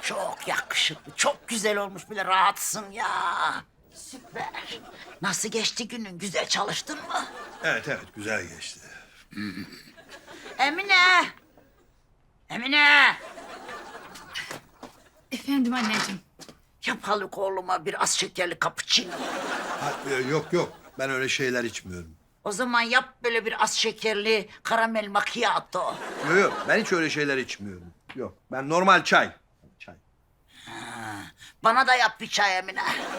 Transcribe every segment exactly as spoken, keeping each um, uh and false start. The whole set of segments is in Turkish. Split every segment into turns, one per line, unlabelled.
Çok yakışıklı, çok güzel olmuş bile rahatsın ya. Süper. Nasıl geçti günün? Güzel çalıştın mı?
Evet evet güzel geçti.
Emine! Emine!
Efendim anneciğim.
Yap Haluk oğluma bir az şekerli cappuccino.
Ha, e, yok yok ben öyle şeyler içmiyorum.
O zaman yap böyle bir az şekerli karamel macchiato.
Yok yok ben hiç öyle şeyler içmiyorum. Yok ben normal çay. Çay.
Bana da yap bir çay Emine.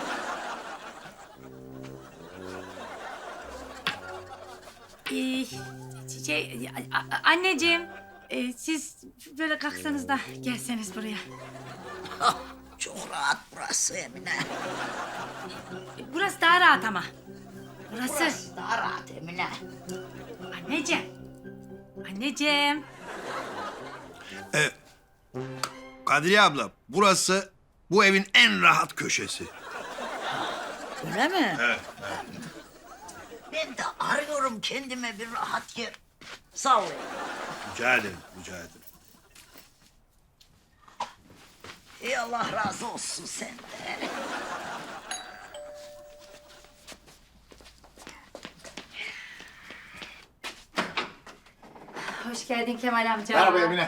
Ee, şey, a- a- anneciğim. e, siz böyle kalksanız da gelseniz buraya.
Ah, çok rahat burası Emine.
Burası daha rahat ama. Burası.
Burası daha rahat Emine.
Anneciğim. Anneciğim.
E, Kadriye abla burası bu evin en rahat köşesi.
Öyle mi?
Evet.
Ben de arıyorum kendime bir rahat yer. Sağ ol.
Rica ederim rica ederim.
Ey Allah razı olsun senden.
Hoş geldin Kemal amca.
Merhaba Emine.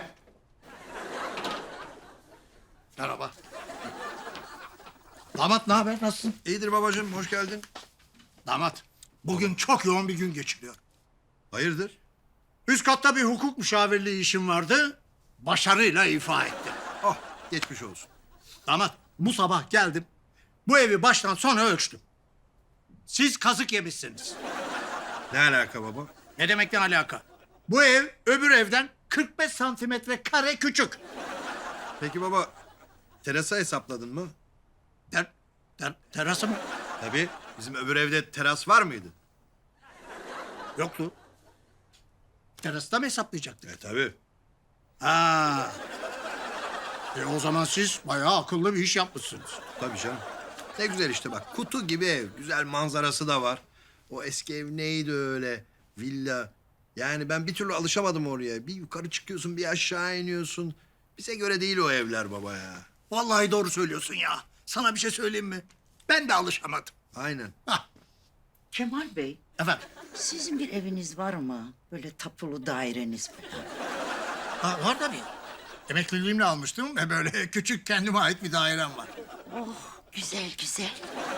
Merhaba. Damat ne haber? Nasılsın?
İyidir babacığım hoş geldin.
Damat, bugün çok yoğun bir gün geçiriyor.
Hayırdır?
Üst katta bir hukuk müşavirliği işim vardı. Başarıyla ifa ettim.
Oh geçmiş olsun.
Damat, bu sabah geldim. Bu evi baştan sona ölçtüm. Siz kazık yemişsiniz.
Ne alaka baba?
Ne demekten alaka? Bu ev öbür evden kırk beş santimetre kare küçük.
Peki baba terasa hesapladın mı?
Ter, ter, terası mı?
Tabii. Bizim öbür evde teras var mıydı?
Yoktu. Terasta mı hesaplayacaktık?
E tabii.
Ha. E o zaman siz bayağı akıllı bir iş yapmışsınız.
Tabii canım. Ne güzel işte bak kutu gibi ev. Güzel manzarası da var. O eski ev neydi öyle? Villa. Yani ben bir türlü alışamadım oraya. Bir yukarı çıkıyorsun bir aşağı iniyorsun. Bize göre değil o evler baba ya.
Vallahi doğru söylüyorsun ya. Sana bir şey söyleyeyim mi? Ben de alışamadım.
Aynen.
Hah,
Kemal Bey,
efendim.
sizin bir eviniz var mı? Böyle tapulu daireniz falan.
Ha, var tabii. Emekliliğimle almıştım ve böyle küçük kendime ait bir dairem var.
Oh, güzel güzel.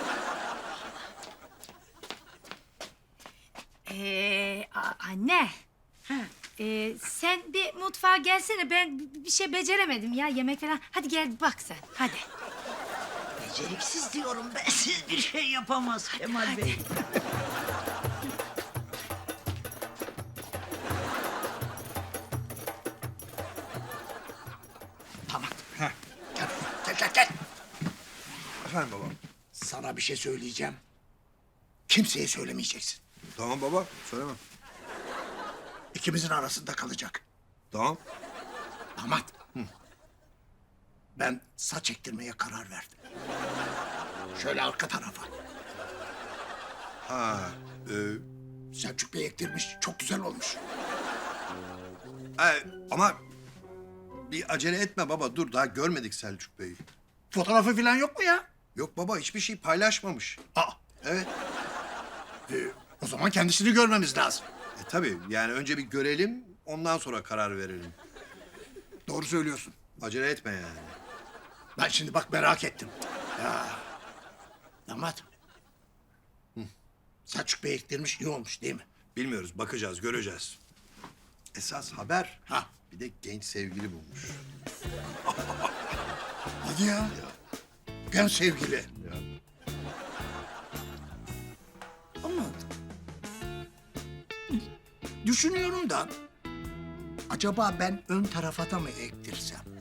Ee, a- anne. Ee, sen bir mutfağa gelsene. Ben b- bir şey beceremedim ya yemek falan. Hadi gel bak sen. Hadi.
Beceriksiz diyorum ben. Siz bir şey yapamaz Kemal Bey.
Tamam. Gel, gel, gel, gel.
Efendim baba.
Sana bir şey söyleyeceğim. Kimseye söylemeyeceksin.
Tamam baba söylemem.
İkimizin arasında kalacak.
Tamam.
Damat. Ben saç ektirmeye karar verdim. Şöyle arka tarafa.
Ha. E,
Selçuk Bey ektirmiş. Çok güzel olmuş.
e, ama bir acele etme baba dur daha görmedik Selçuk Bey'i.
Fotoğrafı falan yok mu ya?
Yok baba hiçbir şey paylaşmamış.
Aa,
Evet.
e, o zaman kendisini görmemiz lazım.
E tabii yani önce bir görelim ondan sonra karar verelim.
Doğru söylüyorsun.
Acele etme yani.
Ben şimdi bak merak ettim. Ya. Damat. Hı. Selçuk Bey ektirmiş iyi olmuş değil mi?
Bilmiyoruz bakacağız göreceğiz. Esas haber
Ha.
bir de genç sevgili bulmuş.
Hadi ya. Genç sevgili. Ama düşünüyorum da acaba ben ön tarafa da mı ektirsem?